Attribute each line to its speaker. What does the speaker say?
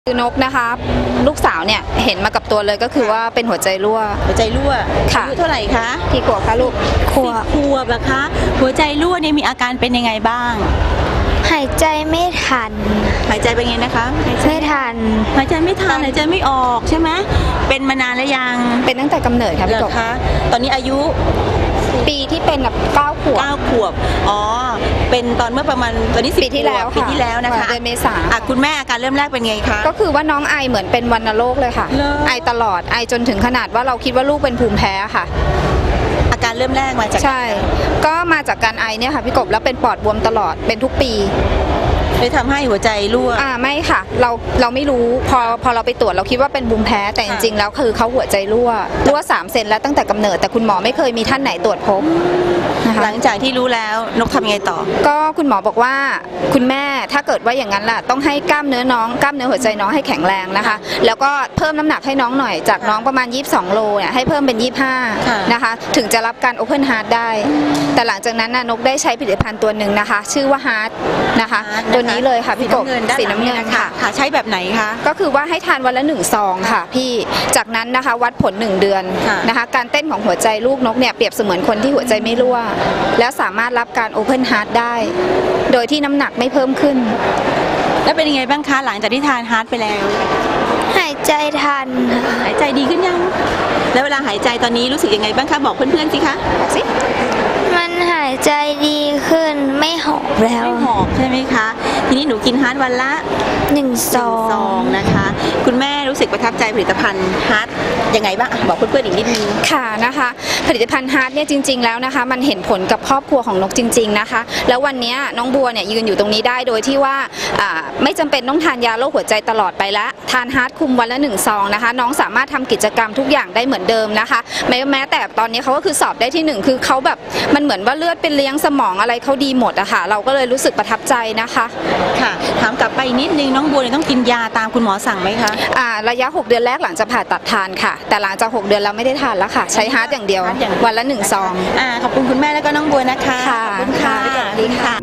Speaker 1: คือนกนะคะลูกสาวเนี่ยเห็นมากับตัวเลยก็คือว่าเป็นหัวใจรั่ว
Speaker 2: ค่ะอายุเท่าไหร่คะ
Speaker 1: กี่ขวบคะลูก
Speaker 2: ขวบนะคะ หัวใจรั่วเนี่ยมีอาการเป็นยังไงบ้าง
Speaker 3: หายใจไม่ทัน
Speaker 2: หายใจเป็นไงนะคะ
Speaker 3: ไม่ทัน
Speaker 2: หายใจไม่ทันหายใจไม่ออกใช่ไหมเป็นมานานแล้วยัง
Speaker 1: เป็นตั้งแต่กำเนิดค่ะพี่กบ
Speaker 2: คะตอนนี้อายุ
Speaker 1: ปีที่เป็นแบบ9 ขวบ
Speaker 2: อ๋อเป็นตอนเมื่อประมาณตอนนี้
Speaker 1: ปีที่แล้ว
Speaker 2: นะคะ
Speaker 1: เดือนเมษา
Speaker 2: คุณแม่อาการเริ่มแรกเป็นไงคะ
Speaker 1: ก็คือว่าน้องไอเหมือนเป็นวัณโรคเลยค่ะไอตลอดไอจนถึงขนาดว่าเราคิดว่าลูกเป็นภูมิแพ้ค่ะ
Speaker 2: อาการเริ่มแรกมาจาก
Speaker 1: ใช่ก็มาจากการไอเนี่ยค่ะพี่กบแล้วเป็นปอดบวมตลอดเป็นทุกปี
Speaker 2: เลยทำให้หัวใจรั่ว
Speaker 1: ไม่ค่ะเราไม่รู้พอเราไปตรวจเราคิดว่าเป็นภูมิแพ้แต่จริงๆแล้วคือเขาหัวใจรั่ว3 เซนแล้วตั้งแต่กำเนิดแต่คุณหมอไม่เคยมีท่านไหนตรวจพบ
Speaker 2: หลังจากที่รู้แล้วนกทำยังไงต่อ
Speaker 1: ก็คุณหมอบอกว่าคุณแม่ถ้าเกิดว่าอย่างนั้นล่ะต้องให้กล้ามเนื้อหัวใจน้องให้แข็งแรงนะคะแล้วก็เพิ่มน้ำหนักให้น้องหน่อยจากน้องประมาณ22 โลเนี่ยให้เพิ่มเป็น25นะคะถึงจะรับการ Open Heart ได้แต่หลังจากนั้นนกได้ใช้ผลิตภัณฑ์ตัวหนึ่งนะคะชื่อว่า Heart นะคะตัวนี้เลยค่ะพี่กบสีน้ำเงินค่ะ
Speaker 2: ใช้แบบไหนคะ
Speaker 1: ก็คือว่าให้ทานวันละ1 ซองค่ะพี่จากนั้นนะคะวัดผล1 เดือนนะคะการเต้นของหัวใจลูกนกเนี่ยเปรียบเสมือนคนที่หัวใจไม่รั่วแล้วสามารถรับการ Open Heart ได้โดยที่น้ำหนักไม่เพิ่มขึ้น
Speaker 2: แล้วเป็นยังไงบ้างคะหลังจากที่ทานฮาร์ทไปแล้ว
Speaker 3: หายใจทัน
Speaker 2: หายใจดีขึ้นยังแล้วเวลาหายใจตอนนี้รู้สึกยังไงบ้างคะบอกเพื่อนๆสิคะ
Speaker 1: บอกสิ
Speaker 3: มันหายใจดีขึ้นไม่หอบแล้ว
Speaker 2: ไม่หอบใช่ไหมคะทีนี้หนูกินฮาร์ทวันละ
Speaker 3: 1 ซอง
Speaker 2: นะคะคุณแม่รู้สึกประทับใจผลิตภัณฑ์ฮาร์ทยังไงบ้างบอกเพื่อนๆอีกนิดนึง
Speaker 1: ค่ะนะคะผลิตภัณฑ์ฮาร์ทเนี่ยจริงๆแล้วนะคะมันเห็นผลกับครอบครัวของนกจริงๆนะคะแล้ววันนี้น้องบัวเนี่ยยืนอยู่ตรงนี้ได้โดยที่ว่าไม่จำเป็นต้องทานยาโรคหัวใจตลอดไปละทานฮาร์ทคุมวันละ1 ซองนะคะน้องสามารถทำกิจกรรมทุกอย่างได้เหมือนเดิมนะคะแม้แต่ตอนนี้เขาก็คือสอบได้ที่1คือเขาแบบมันเหมือนว่าเลือดเป็นเลี้ยงสมองอะไรเขาดีหมดอะค่ะเราก็เลยรู้สึกประทับใจนะคะ
Speaker 2: ค่ะถามกลับไปนิดนึงน้องบัวต้องกินยาตามคุณหมอสั่งไหมคะ
Speaker 1: ระยะ6 เดือนแรกหลังจากผ่าตัดทานค่ะแต่หลังจาก6 เดือนเราไม่ได้ทานแล้วค่ะใช้ฮาร์ทอย่างเดียววันละ1 ซอง
Speaker 2: ขอบคุณคุณแม่แล้วก็น้องบัวนะคะ
Speaker 1: ขอบคุณค่ะ
Speaker 2: สวัสดีค่ะ